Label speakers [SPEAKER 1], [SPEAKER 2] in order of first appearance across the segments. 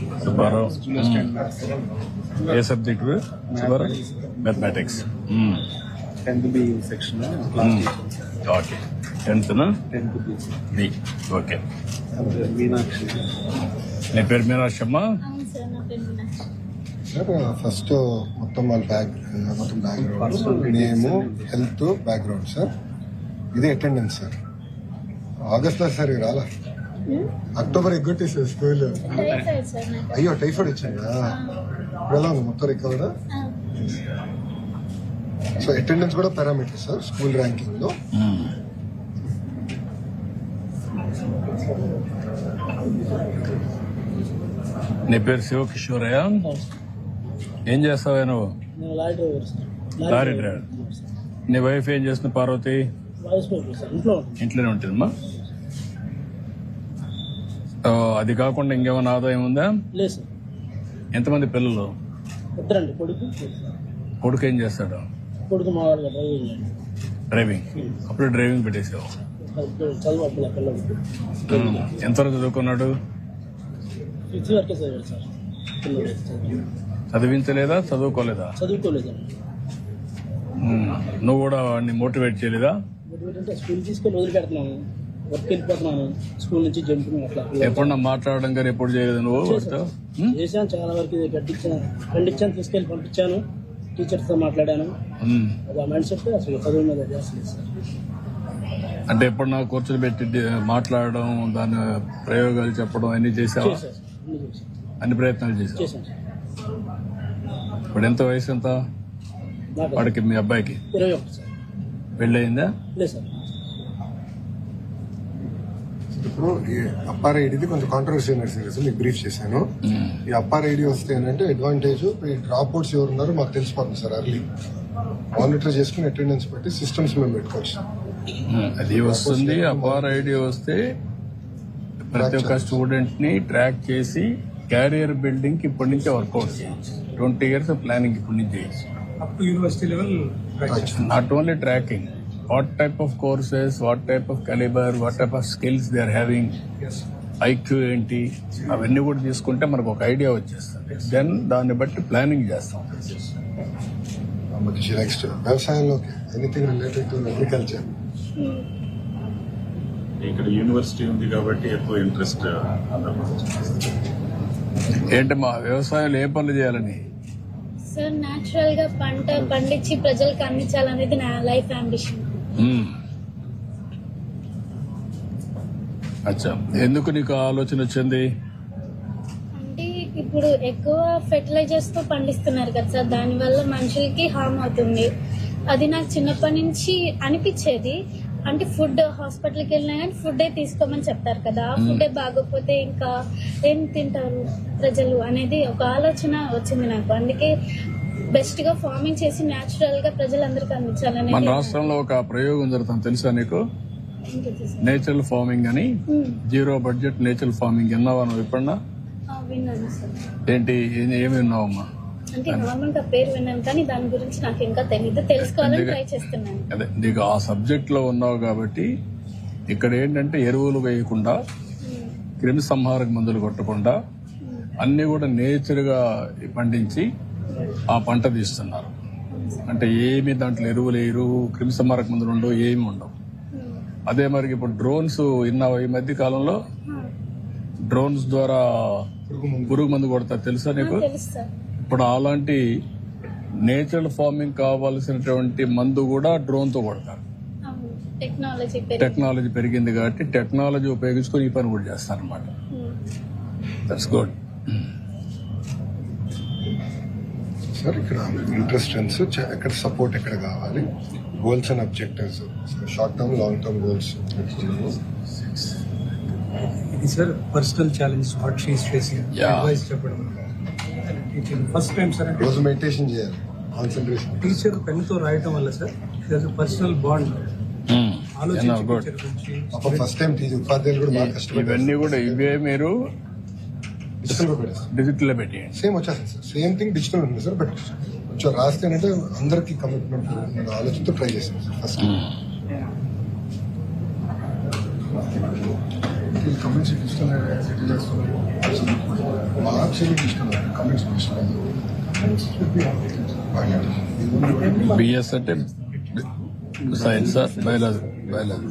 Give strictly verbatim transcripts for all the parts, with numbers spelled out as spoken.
[SPEAKER 1] సుబ్బారావు ఏ subject Subbarao? Mathematics.
[SPEAKER 2] Tenth B section
[SPEAKER 1] okay. టెన్త్నా?
[SPEAKER 2] Tenth B.
[SPEAKER 1] B. Okay.
[SPEAKER 2] Meenakshi.
[SPEAKER 1] నీ పేరు మీనాక్షి అమ్మా?
[SPEAKER 3] సార్ ఫస్ట్ మొత్తం వాళ్ళ బ్యాక్ మొత్తం బ్యాక్గ్రౌండ్ నేము హెల్త్ బ్యాక్గ్రౌండ్ సార్. ఇది అటెండెన్స్ సార్. ఆగస్ట్ లో సార్ రాలా, అక్టోబర్ ఎగ్గొట్టి సార్ స్కూల్. అయ్యో టైఫాయిడ్ వచ్చిందా? ఇప్పుడు ఎలా ఉంది మొత్తం రికవర్? సో అటెండెన్స్ కూడా పారామీటర్ సార్ స్కూల్ ర్యాంకింగ్ లో.
[SPEAKER 1] నీ పేరు శివకిషోరయ్య? ఏం చేస్తావా నువ్వు? Lorry driver. నీ వైఫ్ ఏం చేస్తుంది పార్వతి? ఇంట్లోనే ఉంటుందమ్మా. అది కాకుండా ఇంకేమైనా ఆదాయం ఉందా? ఎంతమంది పిల్లలు?
[SPEAKER 4] ఇద్దరండి. కొడుకు
[SPEAKER 1] కొడుకు ఏం చేస్తాడు?
[SPEAKER 4] కొడుకు మా వాళ్ళు డ్రైవింగ్.
[SPEAKER 1] డ్రైవింగ్. అప్పుడు డ్రైవింగ్ పెట్టేసావు.
[SPEAKER 4] చదువు పిల్లలు.
[SPEAKER 1] ఎంతవరకు చదువుకున్నాడు?
[SPEAKER 4] ఫిఫ్త్ వరకే చదివాడు సార్.
[SPEAKER 1] చదివించలేదా? చదువుకోలేదా?
[SPEAKER 4] చదువుకోలేదండి.
[SPEAKER 1] నువ్వు కూడా వాడిని మోటివేట్ చేయలేదా?
[SPEAKER 4] మోటివేట్ అంటే స్కూల్ తీసుకొని వదిలిపెడుతున్నాను, వర్క్ వెళ్ళిపోతున్నాను, స్కూల్ నుంచి జంపింగ్ అట్లా.
[SPEAKER 1] ఎప్పుడన్నా మాట్లాడడం కానీ ఎప్పుడు చేయలేదు నువ్వు?
[SPEAKER 4] చేశాను చాలా వరకు. కట్టించాను, ఖండించాను, తీసుకెళ్ళి పంపించాను, టీచర్స్ తో మాట్లాడాను. అది ఆ మైండ్ సెట్ అసలు చదువు మీద చేస్తలేదు సార్.
[SPEAKER 1] అంటే ఎప్పుడన్నా కూర్చొని పెట్టి మాట్లాడడం, దాని ప్రయోగాలు చెప్పడం అన్ని చేసావా? అన్ని ప్రయత్నాలు చేసావు. ఇప్పుడు ఎంత వయసు ఎంత వాడికి? మీ అబ్బాయికి
[SPEAKER 4] ఇరవై ఒకటి సార్.
[SPEAKER 1] పెళ్ళయిందా?
[SPEAKER 4] లేదు సార్.
[SPEAKER 3] ఇప్పుడు ఈ అప్పార్ ఐడిది కొంచెం కాంట్రవర్సీ నడిచింది సార్, మీకు బ్రీఫ్ చేశాను. ఈ అప్పార్ ఐడి వస్తే ఏంటంటే అడ్వాంటేజ్, ఈ డ్రాప్ అవుట్స్ ఎవరు ఉన్నారో మాకు తెలిసిపోతుంది సార్. అర్లీ మానిటర్ చేసుకుని అటెండెన్స్ పెట్టి సిస్టమ్స్ మేము పెట్టుకోవచ్చు.
[SPEAKER 1] అది వస్తుంది. అపార్ ఐడి వస్తే ప్రతి ఒక్క స్టూడెంట్ ని ట్రాక్ చేసి క్యారియర్ బిల్డింగ్ కి ఇప్పటి నుంచే వర్కౌట్ చేయొచ్చు. ట్వంటీ ఇయర్స్ ప్లానింగ్ ఇప్పటి నుంచి చేయొచ్చు.
[SPEAKER 2] Up to university level.
[SPEAKER 1] Not only tracking, what type of courses, what type of calibre, what type of skills they are having, IQ ఏంటి, అవన్నీ కూడా తీసుకుంటే మనకు ఒక ఐడియా వచ్చేస్తుంది. దెన్ దాన్ని బట్టి ప్లానింగ్ చేస్తాం.
[SPEAKER 3] నెక్స్ట్ వ్యవసాయంలో ఎనీథింగ్ రిలేటెడ్ టు అగ్రికల్చర్.
[SPEAKER 5] ఇక్కడ యూనివర్సిటీ ఉంది కాబట్టి ఎక్కువ ఇంట్రెస్ట్.
[SPEAKER 1] ఏంటి మా వ్యవసాయంలో ఏ పనులు చేయాలని?
[SPEAKER 6] సార్ నేచురల్ గా పంట పండించి ప్రజలకు అందించాలనేది నా లైఫ్ అంబిషన్.
[SPEAKER 1] అచ్చా, ఎందుకు నీకు ఆలోచన వచ్చింది?
[SPEAKER 6] అంటే ఇప్పుడు ఎక్కువ ఫెర్టిలైజర్స్ తో పండిస్తున్నారు కదా సార్, దాని వల్ల మనుషులకి హార్మ్ అవుతుంది. అది నాకు చిన్నప్పటి నుంచి అనిపించేది. అంటే ఫుడ్ హాస్పిటల్కి వెళ్ళినా కానీ ఫుడ్ తీసుకోమని చెప్తారు కదా, ఆ ఫుడ్ బాగోకపోతే ఇంకా ఏం తింటారు ప్రజలు అనేది ఒక ఆలోచన వచ్చింది నాకు. అందుకే బెస్ట్ గా ఫార్మింగ్ చేసి నేచురల్ గా ప్రజలందరికీ అందించాలని.
[SPEAKER 1] మన రాష్ట్రంలో ఒక ప్రయోగం జరుగుతుంది తెలుసా నీకు? నేచురల్ ఫార్మింగ్ అని, జీరో బడ్జెట్ నేచురల్ ఫార్మింగ్. విన్నావా నువ్వు ఎప్పుడన్నా?
[SPEAKER 6] విన్నాను సార్.
[SPEAKER 1] ఏంటి, ఏమి విన్నావమ్మా?
[SPEAKER 6] అంటే నార్మల్ గా పేరు విన్నాను కానీ దాని గురించి నాకు ఇంకా తెలియదు, తెలుసుకోవాలని ట్రై చేస్తున్నాను.
[SPEAKER 1] అదే నీకు ఆ సబ్జెక్ట్ లో ఉన్నావు కాబట్టి ఇక్కడ ఏంటంటే ఎరువులు వేయకుండా, క్రిమి సంహారక మందులు కొట్టకుండా అన్ని కూడా నేచర్ గా పండించి ఆ పంట తీస్తున్నారు. అంటే ఏమి దాంట్లో ఎరువులు వేయరు, క్రిమి సంహారక మందులు ఉండవు, ఏమి ఉండవు. అదే మరి ఇప్పుడు డ్రోన్స్ విన్నావు? ఈ మధ్య కాలంలో డ్రోన్స్ ద్వారా పురుగు మందు కొడతారు తెలుసా నీకు? ఇప్పుడు అలాంటి నేచురల్ ఫార్మింగ్ కావాల్సినటువంటి మందు కూడా డ్రోన్ తో కొడతారు. టెక్నాలజీ పెరిగింది కాబట్టి టెక్నాలజీ ఉపయోగించుకొని ఈ పని కూడా చేస్తారు అనమాట. That's good.
[SPEAKER 3] సార్ ఇక్కడ ఇంట్రెస్టెన్స్ ఎక్కడ సపోర్ట్ ఎక్కడ కావాలి, goals and objectives, short term long term goals.
[SPEAKER 2] ఇది sir personal challenge what she is facing. Advice చెప్పడం ఫస్ట్ టైం సార్. అంటే
[SPEAKER 3] రోజు మెడిటేషన్ చేయాలి, కాన్సంట్రేషన్.
[SPEAKER 2] టీచర్ పెన్ తో రాయటం వల్ల sir personal bond
[SPEAKER 3] first time teacher ఉపాధ్యాయులు కూడా బాగా కష్టపడి
[SPEAKER 1] ఇవన్నీ కూడా ఇవే మీరు డిజిటల్ లో పెట్టి
[SPEAKER 3] సేమ్ వచ్చేస్తుంది సార్. సేమ్ థింగ్ డిజిటల్ ఉంటుంది సార్, బట్ కొంచెం రాస్తే అంటే అందరికి కమిట్మెంట్ ఆలోచనతో ట్రై చేసాం సార్ ఫస్ట్. కమెంట్స్ ఇస్తున్నారు సెటిల్ చేస్తున్నారు మార్క్స్ ఇస్తున్నారు కమెంట్స్ ఇస్తున్నారు
[SPEAKER 1] బిఎస్ అంటే science biology biology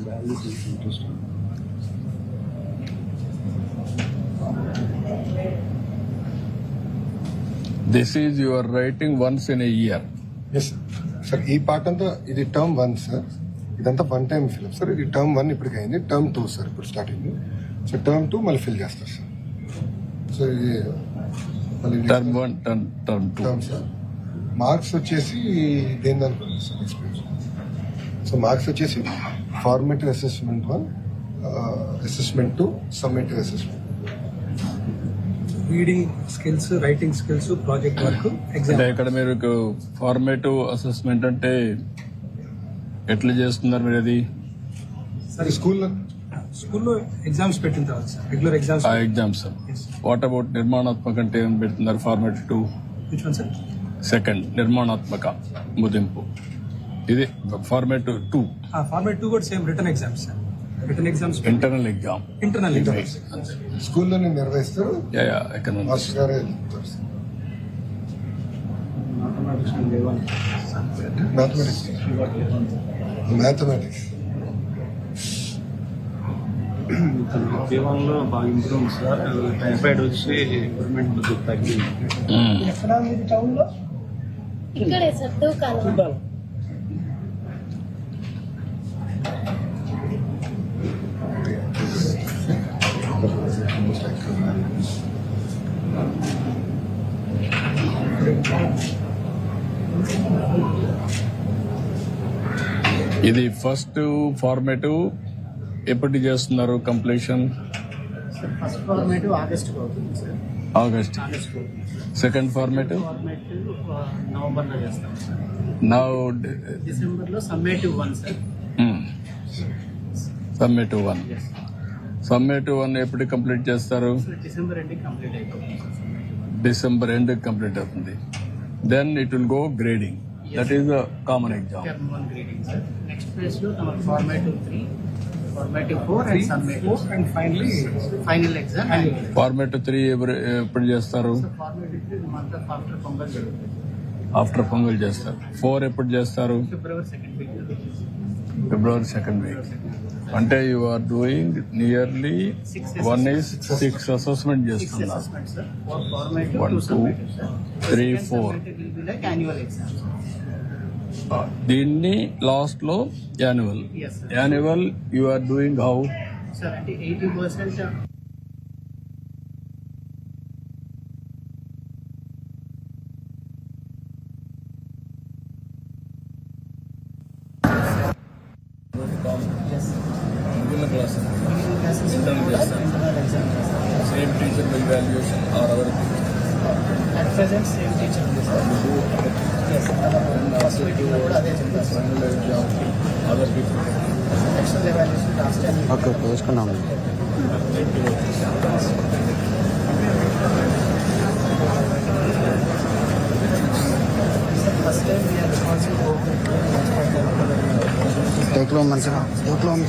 [SPEAKER 1] this is your writing once in a year.
[SPEAKER 3] Yes sir ఈ పార్ట్ అంతా ఇది టర్మ్ వన్ సార్, ఇదంతా వన్ టైం ఫిల్ సార్. ఇది టర్మ్ వన్ ఇప్పటికి అయింది, టర్మ్ టూ సార్ ఇప్పుడు స్టార్ట్ అయింది. సో టర్మ్ టూ మళ్ళీ ఫిల్ చేస్తారు సార్. సో ఇది మళ్ళీ
[SPEAKER 1] term one term term two.
[SPEAKER 3] Term sir. Marks వచ్చేసి దేని దానికి సార్ ఎక్స్పీరియన్స్. సో మార్క్స్ వచ్చేసి formative assessment one, assessment two, summative assessment.
[SPEAKER 2] Reading skills, writing skills, project work, exam.
[SPEAKER 1] అంటే ఇక్కడ మీరు ఫార్మేటివ్ అసెస్మెంట్ అంటే ఎట్లా చేస్తున్నారు మీరు? అది
[SPEAKER 3] సార్ స్కూల్లో
[SPEAKER 2] స్కూల్లో ఎగ్జామ్స్ పెట్టిన తర్వాత సార్ రెగ్యులర్ ఎగ్జామ్స్.
[SPEAKER 1] ఆ ఎగ్జామ్స్. వాట్ అబౌట్ నిర్మాణాత్మక అంటే ఏం పెడుతున్నారు? Formative two
[SPEAKER 2] which one sir?
[SPEAKER 1] Second నిర్మాణాత్మక ముదింపు. ఇది ఫార్మేటివ్ టూ.
[SPEAKER 2] ఫార్మేట్ టూ కూడా same return exams sir. Return exams,
[SPEAKER 1] internal exam.
[SPEAKER 2] Internal exams
[SPEAKER 3] స్కూల్లోనే నిర్వహిస్తారు,
[SPEAKER 1] ఎకనామిక్స్.
[SPEAKER 3] మాస్టర్ గారే చెప్తారు సార్. మ్యాథమెటిక్స్ మ్యాథమెటిక్స్
[SPEAKER 7] జీవనంలో బాగా ఇంప్రూవ్ సార్. టైఫాయిడ్ వచ్చి ఇంప్రూవ్మెంట్ తగ్గింది.
[SPEAKER 6] ఇక్కడే సార్ దూకాలి.
[SPEAKER 1] ఇది ఫస్ట్ ఫార్మేటివ్ ఎప్పటి చేస్తున్నారు కంప్లీషన్?
[SPEAKER 4] ఫస్ట్ ఫార్మేట్ ఆగస్ట్ అవుతుంది sir.
[SPEAKER 1] August. Second formative
[SPEAKER 4] formative November లో చేస్తాం సార్.
[SPEAKER 1] నౌ
[SPEAKER 4] డిసెంబర్ లో summative one sir.
[SPEAKER 1] Summative one. Summative one ఎప్పుడు కంప్లీట్ చేస్తారు?
[SPEAKER 4] డిసెంబర్ ఎండింగ్ కంప్లీట్ అయిపోతుంది సార్.
[SPEAKER 1] డిసెంబర్ ఎండ్ కంప్లీట్ అవుతుంది. Then it will go grading. That is the common exam.
[SPEAKER 4] Term one grading sir. Next phase లో మన formative three, formative four and summative
[SPEAKER 2] and finally
[SPEAKER 4] final exam.
[SPEAKER 1] Formative three ఎప్పుడు చేస్తారు?
[SPEAKER 4] Formative three month after Pongal జరుగుతుంది.
[SPEAKER 1] After Pongal చేస్తారు. Four ఎప్పుడు చేస్తారు?
[SPEAKER 4] February second week.
[SPEAKER 1] February second week. అంటే you are doing nearly one is six assessment
[SPEAKER 4] six
[SPEAKER 1] చేస్తున్నారు.
[SPEAKER 4] Assessment sir. Four formative,
[SPEAKER 1] One,
[SPEAKER 4] two
[SPEAKER 1] two,
[SPEAKER 4] summative sir.
[SPEAKER 1] three,
[SPEAKER 4] Second
[SPEAKER 1] four.
[SPEAKER 4] summative will be like annual exam.
[SPEAKER 1] దీన్ని last లో annual.
[SPEAKER 4] Yes, sir.
[SPEAKER 1] Annual you are doing how?
[SPEAKER 4] Sir అంటే eighty percent
[SPEAKER 1] same teacher evaluation or our
[SPEAKER 4] at present same teacher ఉంది sir. First meeting లో కూడా అదే చెప్పారు sir.
[SPEAKER 1] Other people.
[SPEAKER 4] External evaluation last time
[SPEAKER 7] okay okay వేసుకున్నాము.
[SPEAKER 4] First time we're responsible
[SPEAKER 7] టేక్లో మంచిగా టేక్లో ఉంది.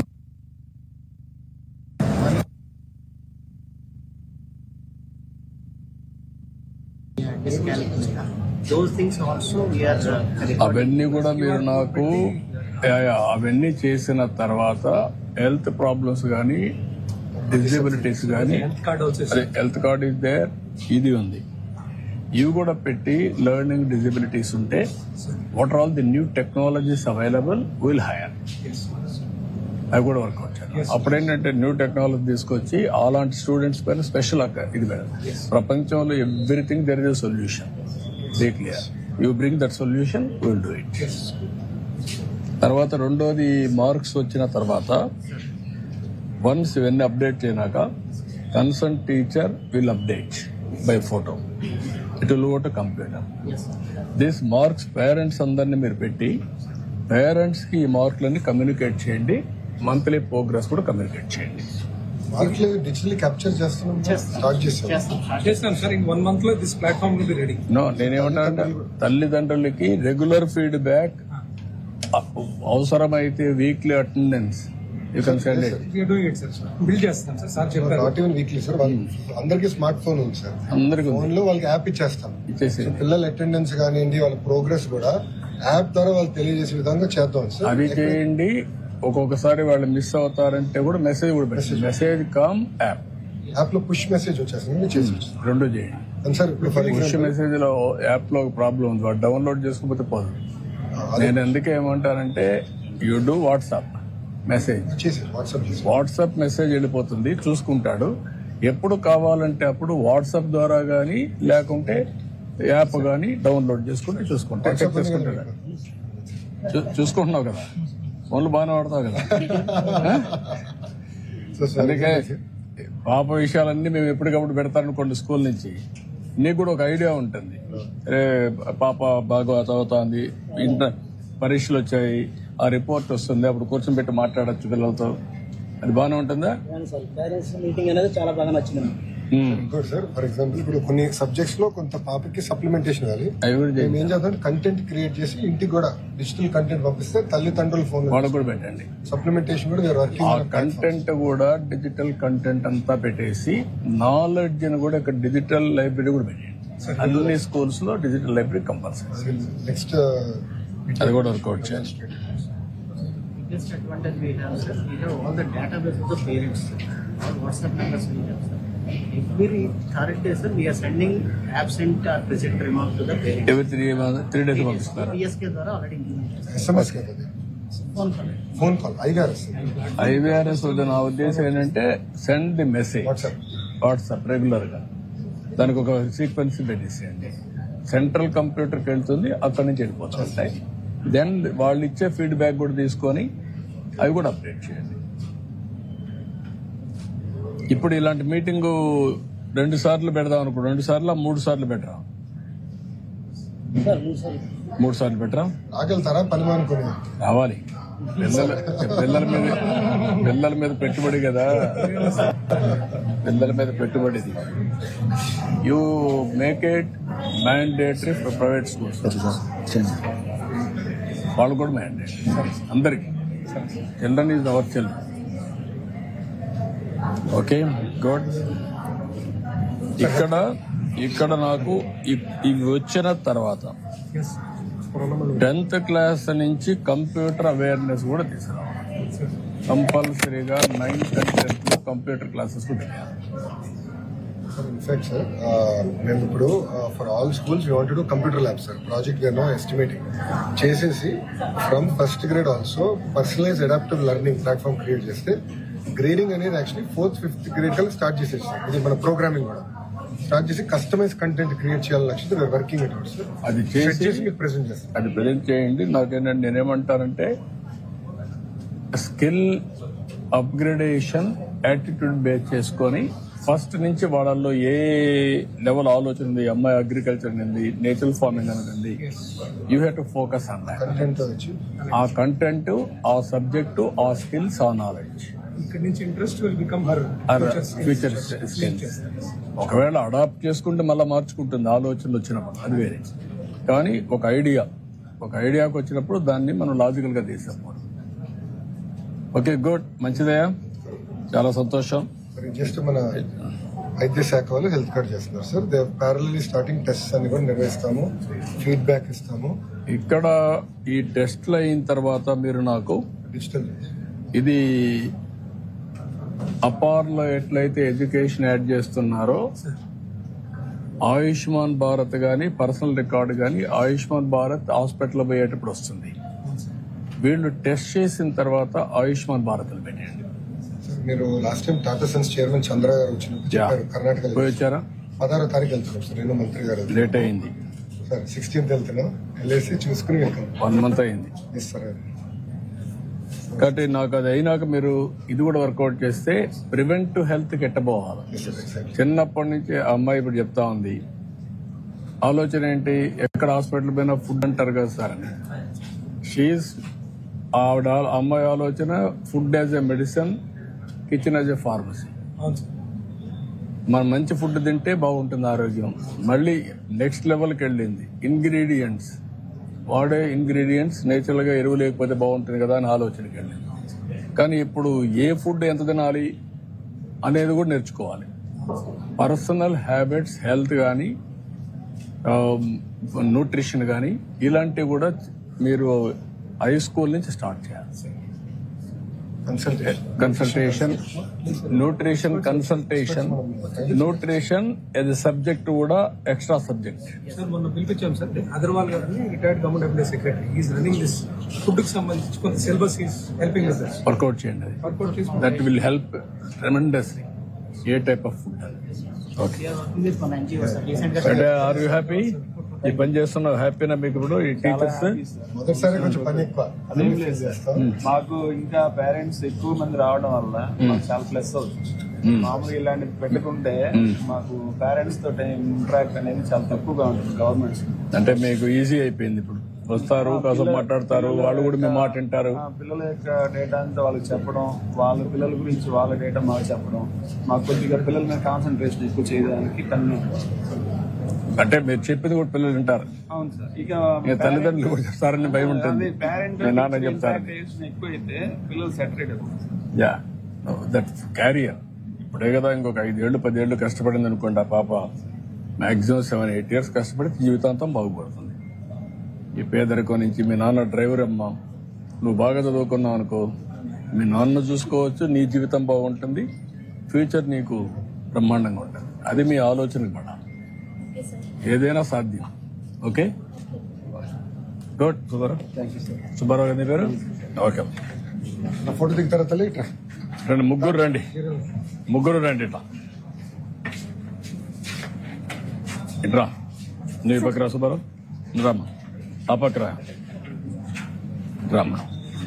[SPEAKER 4] those things also we are uh,
[SPEAKER 1] అవన్నీ కూడా మీరు నాకు యా, యా, అవన్నీ చేసిన తర్వాత హెల్త్ ప్రాబ్లమ్స్ కానీ డిజబిలిటీస్ కానీ
[SPEAKER 2] హెల్త్ కార్డ్ ఆల్సో
[SPEAKER 1] అదే హెల్త్ కార్డ్ ఇస్ దేర్, ఇది ఉంది. ఇవి కూడా పెట్టి లెర్నింగ్ డిజబిలిటీస్ ఉంటే what are all the new technologies available will hire. అవి కూడా వర్కౌట్ చేయాలి. అప్పుడేంటంటే న్యూ టెక్నాలజీ తీసుకొచ్చి అలాంటి స్టూడెంట్స్ పైన స్పెషల్ ఇది పెడతాం. ప్రపంచంలో everything there is a solution. Be clear. You bring that solution, will do it. తర్వాత రెండోది మార్క్స్ వచ్చిన తర్వాత వన్స్ ఇవన్నీ అప్డేట్ చేయనాక concern teacher will update by photo. It will go to computer. This marks parents అందరినీ మీరు పెట్టి parents కి ఈ మార్కులన్నీ కమ్యూనికేట్ చేయండి. మంత్లీ ప్రోగ్రెస్ కూడా కమ్యూనికేట్ చేయండి.
[SPEAKER 3] మార్కులు డిజిటల్లీ క్యాప్చర్ చేస్తున్నాం, స్టార్ట్ చేస్తాం.
[SPEAKER 2] చేస్తాం సార్. ఇన్ వన్ మంత్ లో this platform will be ready.
[SPEAKER 1] No, నేనేమంటానంటే తల్లిదండ్రులకి రెగ్యులర్ ఫీడ్బ్యాక్, అవసరమైతే weekly attendance you can send it.
[SPEAKER 2] We're doing it sir. Build చేస్తాం సార్. సార్ చెప్పారు.
[SPEAKER 3] నాట్ ఈవెన్ వీక్లీ సార్, అందరికి స్మార్ట్ ఫోన్ ఉంది sir.
[SPEAKER 1] అందరికి ఉంది.
[SPEAKER 3] ఫోన్ లో వాళ్ళకి యాప్ ఇచ్చేస్తాం.
[SPEAKER 1] ఇచ్చేసి
[SPEAKER 3] సో పిల్లల అటెండెన్స్ కానివ్వండి, వాళ్ళ ప్రోగ్రెస్ కూడా యాప్ ద్వారా వాళ్ళు తెలియజేసే విధంగా చేద్దాం సార్.
[SPEAKER 1] అది చేయండి. ఒక్కొక్కసారి వాళ్ళు మిస్ అవుతారంటే కూడా మెసేజ్ కూడా పెట్టండి. మెసేజ్ కామ్ యాప్
[SPEAKER 3] యాప్ లో పుష్ మెసేజ్ వచ్చేస్తుంది, చేసి
[SPEAKER 1] రెండు చేయండి.
[SPEAKER 3] అండ్ సార్ ఇప్పుడు ఫర్
[SPEAKER 1] పుష్
[SPEAKER 3] ఎగ్జాంపుల్
[SPEAKER 1] మెసేజ్ లో యాప్ లో ఒక ప్రాబ్లం ఉంది, వాడు డౌన్లోడ్ చేసుకోకపోతే పోదు. నేను ఎందుకే ఏమంటానంటే యూ డూ వాట్సాప్ మెసేజ్,
[SPEAKER 3] చేసి వాట్సాప్ చేసి
[SPEAKER 1] వాట్సాప్ మెసేజ్ వెళ్ళిపోతుంది, చూసుకుంటాడు. ఎప్పుడు కావాలంటే అప్పుడు వాట్సాప్ ద్వారా గానీ లేకుంటే యాప్ గానీ డౌన్లోడ్ చేసుకుని చూసుకుంటా చెక్ చేసుకుంటాడు. చూ- చూసుకుంటున్నావు కదా, ఫోన్లు బాగానే వాడతావు కదా.
[SPEAKER 3] సో సార్
[SPEAKER 1] అందుకే పాప విషయాలన్నీ మేము ఎప్పటికప్పుడు పెడతారనుకోండి స్కూల్ నుంచి, నీకు కూడా ఒక ఐడియా ఉంటుంది. రే పాప బాగా చదువుతోంది, ఇంటర్ పరీక్షలు వచ్చాయి, ఆ రిపోర్ట్ వస్తుంది, అప్పుడు కూర్చొని పెట్టి మాట్లాడచ్చు పిల్లలతో. అది బాగానే ఉంటుందా?
[SPEAKER 4] అవును సార్, పేరెంట్స్ మీటింగ్ అనేది చాలా బాగా నచ్చింది నాకు.
[SPEAKER 1] ఉమ్.
[SPEAKER 3] ఇంకోటి సార్, ఫర్ ఎగ్జాంపుల్ ఇప్పుడు కొన్ని సబ్జెక్ట్స్ లో కొంత పాపకి సప్లిమెంటేషన్ కావాలి.
[SPEAKER 1] అవి కూడా
[SPEAKER 3] మేము
[SPEAKER 1] చేయండి.
[SPEAKER 3] ఏం చేద్దాం, కంటెంట్ క్రియేట్ చేసి ఇంటికి కూడా డిజిటల్ కంటెంట్ పంపిస్తే తల్లిదండ్రుల ఫోన్
[SPEAKER 1] వాళ్ళకు కూడా పెట్టండి.
[SPEAKER 3] సప్లిమెంటేషన్ కూడా వీఆర్
[SPEAKER 1] ఆ
[SPEAKER 3] వర్కింగ్.
[SPEAKER 1] కంటెంట్ కూడా డిజిటల్ కంటెంట్ అంతా పెట్టేసి నాలెడ్జ్ ని కూడా ఇక్కడ డిజిటల్ లైబ్రరీ కూడా పెట్టండి. అన్ని స్కూల్స్ లో డిజిటల్ లైబ్రరీ కంపల్సరీ.
[SPEAKER 3] నెక్స్ట్
[SPEAKER 1] అది కూడా వర్కౌట్ చేయాలి.
[SPEAKER 8] biggest advantage we have, sir, we have all the database of the parents, sir. All WhatsApp numbers we have, sir. Every third day, sir, we are sending absent or present remarks to the parents.
[SPEAKER 1] ఎవరి three three days పంపిస్తారు.
[SPEAKER 8] P S K ద్వారా already implemented, sir.
[SPEAKER 3] SMS కదా,
[SPEAKER 8] Phone call.
[SPEAKER 3] Phone call ఐగారు
[SPEAKER 1] IVRS వద్ద నా ఉద్దేశం ఏంటంటే send the message
[SPEAKER 3] WhatsApp.
[SPEAKER 1] WhatsApp regular గా దానికి ఒక సీక్వెన్స్ పెట్టేసేయండి. సెంట్రల్ కంప్యూటర్కి వెళ్తుంది, అక్కడి నుంచి వెళ్ళిపోతుంది. దెన్ వాళ్ళు ఇచ్చే ఫీడ్బ్యాక్ కూడా తీసుకొని అవి కూడా అప్డేట్ చేయండి. ఇప్పుడు ఇలాంటి మీటింగ్ రెండు సార్లు పెడదాం అనుకో, రెండు సార్లు మూడు సార్లు పెట్టరా?
[SPEAKER 4] సార్ మూడు సార్లు
[SPEAKER 1] మూడు సార్లు పెట్టరా?
[SPEAKER 3] ఆకెళ్తారా పని అనుకుని
[SPEAKER 1] రావాలి. పిల్లల పిల్లల మీద పిల్లల మీద పెట్టుబడి కదా, పిల్లల మీద పెట్టుబడిది. You make it mandatory for private schools. వాళ్ళు కూడా మ్యాండేట్ అందరికి. Children is our children. Okay good. ఇక్కడ ఇక్కడ నాకు ఇ- ఇవి వచ్చిన తర్వాత టెన్త్ క్లాస్ నుంచి కంప్యూటర్ అవేర్నెస్ కూడా తీసుకురావాలి. కంపల్సరీగా నైన్త్ అండ్ టెన్త్ లో కంప్యూటర్ క్లాసెస్ కూడా పెట్టాలి.
[SPEAKER 3] ఇన్ఫాక్ట్ సార్, మేము ఇప్పుడు for all schools we want to computer lab sir. Project we're no estimating చేసేసి from first grade also personalize adaptive learning platform create చేస్తే గ్రేడింగ్ అనేది యాక్చువల్లీ ఫోర్త్ ఫిఫ్త్ గ్రేడ్ కల్లా start చేసేసి ఇది మన ప్రోగ్రామింగ్ కూడా స్టార్ట్ చేసి కస్టమైజ్ కంటెంట్ క్రియేట్ చేయాలని లక్ష్యంతో వీఆర్ వర్కింగ్ అట్ సార్.
[SPEAKER 1] అది
[SPEAKER 3] సెట్
[SPEAKER 1] చేసి
[SPEAKER 3] చేసి మీకు ప్రెజెంట్ చేస్తాం.
[SPEAKER 1] అది ప్రజెంట్ చేయండి. నాకేంటంటే నేనేమంటానంటే స్కిల్ అప్గ్రేడేషన్ యాటిట్యూడ్ బేస్ చేసుకొని ఫస్ట్ నుంచి వాళ్ళల్లో ఏ లెవెల్ ఆలోచన ఉంది, అమ్మాయి అగ్రికల్చర్ ఉంది, నేచురల్ ఫార్మింగ్ అనేది, you have to focus on that.
[SPEAKER 3] Content వచ్చి
[SPEAKER 1] ఆ కంటెంట్, ఆ సబ్జెక్టు, ఆ స్కిల్స్, ఆ నాలెడ్జ్,
[SPEAKER 2] ఇక్కడ నుంచి interest will become her
[SPEAKER 1] future skills. ఒకవేళ అడాప్ట్ చేసుకుంటే మళ్ళీ మార్చుకుంటుంది ఆలోచనలు వచ్చినప్పుడు, అది వేరే. కానీ ఒక ఐడియా ఒక ఐడియాకి వచ్చినప్పుడు దాన్ని మనం లాజికల్ గా తీసాము. ఓకే గుడ్, మంచిదయా, చాలా సంతోషం.
[SPEAKER 3] జస్ట్ మన వైద్య శాఖ వాళ్ళు హెల్త్ కార్డ్ చేస్తున్నారు sir. They parallelly starting test అన్ని కూడా నిర్వహిస్తాము, ఫీడ్బ్యాక్ ఇస్తాము.
[SPEAKER 1] ఇక్కడ ఈ టెస్ట్లు అయిన తర్వాత మీరు నాకు
[SPEAKER 3] డిజిటల్
[SPEAKER 1] ఇది అపార్లో ఎట్లయితే ఎడ్యుకేషన్ యాడ్ చేస్తున్నారో ఆయుష్మాన్ భారత్ గానీ పర్సనల్ రికార్డు గానీ ఆయుష్మాన్ భారత్ హాస్పిటల్ పోయేటప్పుడు వస్తుంది. వీళ్ళు టెస్ట్ చేసిన తర్వాత ఆయుష్మాన్ భారత్ పెట్టండి.
[SPEAKER 3] మీరు last time Tata Sons chairman Chandra గారు వచ్చినప్పుడు
[SPEAKER 1] యా.
[SPEAKER 3] చెప్పారు కర్ణాటక
[SPEAKER 1] పోయి వచ్చారా?
[SPEAKER 3] పదహారో తారీఖు వెళ్తున్నాం సార్. నేను మంత్రి గారు
[SPEAKER 1] లేట్ అయింది
[SPEAKER 3] సార్ సిక్స్టీన్త్ వెళ్తున్నాం, వెళ్ళేసి చూసుకుని వెళ్తాం.
[SPEAKER 1] వన్ మంత్ అయింది
[SPEAKER 3] ఎస్ సార్.
[SPEAKER 1] కాబట్టి నాకు అది అయినాక మీరు ఇది కూడా వర్కౌట్ చేస్తే ప్రివెంటివ్ హెల్త్ కి ఎట్టబోవాలి.
[SPEAKER 3] Yes sir, exactly.
[SPEAKER 1] చిన్నప్పటి నుంచి ఆ అమ్మాయి ఇప్పుడు చెప్తా ఉంది, ఆలోచన ఏంటి, ఎక్కడ హాస్పిటల్ పోయినా ఫుడ్ అంటారు కదా సార్ అని. షీఈస్ ఆవిడ అమ్మాయి ఆలోచన food as a medicine, kitchen as a pharmacy.
[SPEAKER 2] అవును సార్.
[SPEAKER 1] మనం మంచి ఫుడ్ తింటే బాగుంటుంది ఆరోగ్యం. మళ్ళీ నెక్స్ట్ లెవెల్కి వెళ్ళింది. ఇంగ్రీడియంట్స్ వాడే ఇంగ్రీడియంట్స్ నేచురల్ గా ఎరువు లేకపోతే బాగుంటుంది కదా అని ఆలోచనకి వెళ్ళింది. కానీ ఇప్పుడు ఏ ఫుడ్ ఎంత తినాలి అనేది కూడా నేర్చుకోవాలి. పర్సనల్ హ్యాబిట్స్, హెల్త్ కానీ న్యూట్రిషన్ కానీ ఇలాంటివి కూడా మీరు హై స్కూల్ నుంచి స్టార్ట్ చేయాలి. Consultation, nutrition consultation, nutrition as subject కూడా ఎక్స్ట్రా సబ్జెక్ట్.
[SPEAKER 2] సార్ మొన్న పిలిపించాం సార్ అగర్వాల్ గారిని, retired government employee secretary. Is running this food కి సంబంధించి కొంత syllabus is helping us, sir.
[SPEAKER 1] Workout చేయండి. అది
[SPEAKER 2] వర్కౌట్ చేసి
[SPEAKER 1] that will help tremendously. A type of food okay. అంటే ఆర్ యూ హ్యాపీ? ఈ పని చేస్తున్నావు, హ్యాపీనా మీకు? ఇప్పుడు ఈ టీచర్స్
[SPEAKER 3] మొదటిసారి కొంచెం పని ఎక్కువ.
[SPEAKER 7] అదేం లేదు సార్, మాకు ఇంకా పేరెంట్స్ ఎక్కువ మంది రావడం వల్ల మాకు చాలా ప్లస్ అవుతుంది. మామూలుగా ఇలాంటిది పెట్టుకుంటే మాకు పేరెంట్స్ తోటి ఇంటరాక్ట్ అనేది చాలా తక్కువగా ఉంటుంది గవర్నమెంట్స్.
[SPEAKER 1] అంటే మీకు ఈజీ అయిపోయింది. ఇప్పుడు వస్తారు, కాసేపు మాట్లాడతారు, వాళ్ళు కూడా మీ మాట వింటారు.
[SPEAKER 7] ఆ పిల్లల యొక్క డేటా అంతా వాళ్ళకి చెప్పడం, వాళ్ళ పిల్లల గురించి వాళ్ళ డేటా మాకు చెప్పడం, మాకు కొద్దిగా పిల్లల మీద కాన్సన్ట్రేషన్ ఎక్కువ చేయడానికి కన్ను.
[SPEAKER 1] అంటే మీరు చెప్పింది కూడా పిల్లలు వింటారు.
[SPEAKER 7] అవును సార్. ఇక
[SPEAKER 1] ఇక తల్లిదండ్రులు కూడా చెప్తారని భయం ఉంటుంది.
[SPEAKER 7] పేరెంట్
[SPEAKER 1] మీ నాన్న చెప్తారు.
[SPEAKER 7] ఎక్కువ అయితే పిల్లలు సెటరేట్ అవుతారు.
[SPEAKER 1] Yeah, that career. ఇప్పుడే కదా ఇంకొక ఐదేళ్లు పదేళ్లు కష్టపడింది అనుకోండి ఆ పాప, మాక్సిమం సెవెన్ ఎయిట్ ఇయర్స్ కష్టపడి జీవితాంతం బాగుపడుతుంది. ఈ పేదరికం నుంచి మీ నాన్న డ్రైవర్ అమ్మా, నువ్వు బాగా చదువుకున్నావు అనుకో, మీ నాన్న చూసుకోవచ్చు, నీ జీవితం బాగుంటుంది, ఫ్యూచర్ నీకు బ్రహ్మాండంగా ఉంటుంది. అది మీ ఆలోచనకు పడాలి.
[SPEAKER 6] Okay sir.
[SPEAKER 1] ఏదైనా సాధ్యం. Okay, good. సుబ్బారావు, సుబ్బారావు గారి పేరు. ఓకే,
[SPEAKER 3] నా ఫోటో దిగుతారా తల్లి? ఇట్లా
[SPEAKER 1] రండి, ముగ్గురు రండి, ముగ్గురు రండి. ఇట్లా ఇట్రా, నువ్వు ఈ పక్కరా సుబ్బారావు, రామ్మా ఆ పక్కరా, రామ్మా.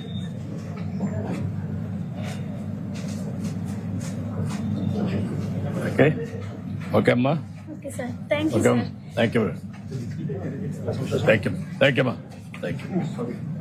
[SPEAKER 1] ఓకే, ఓకే అమ్మా.
[SPEAKER 6] Okay sir, thank you
[SPEAKER 1] okay,
[SPEAKER 6] sir.
[SPEAKER 1] Thank you, thank you, thank you అమ్మా, థ్యాంక్ యూ.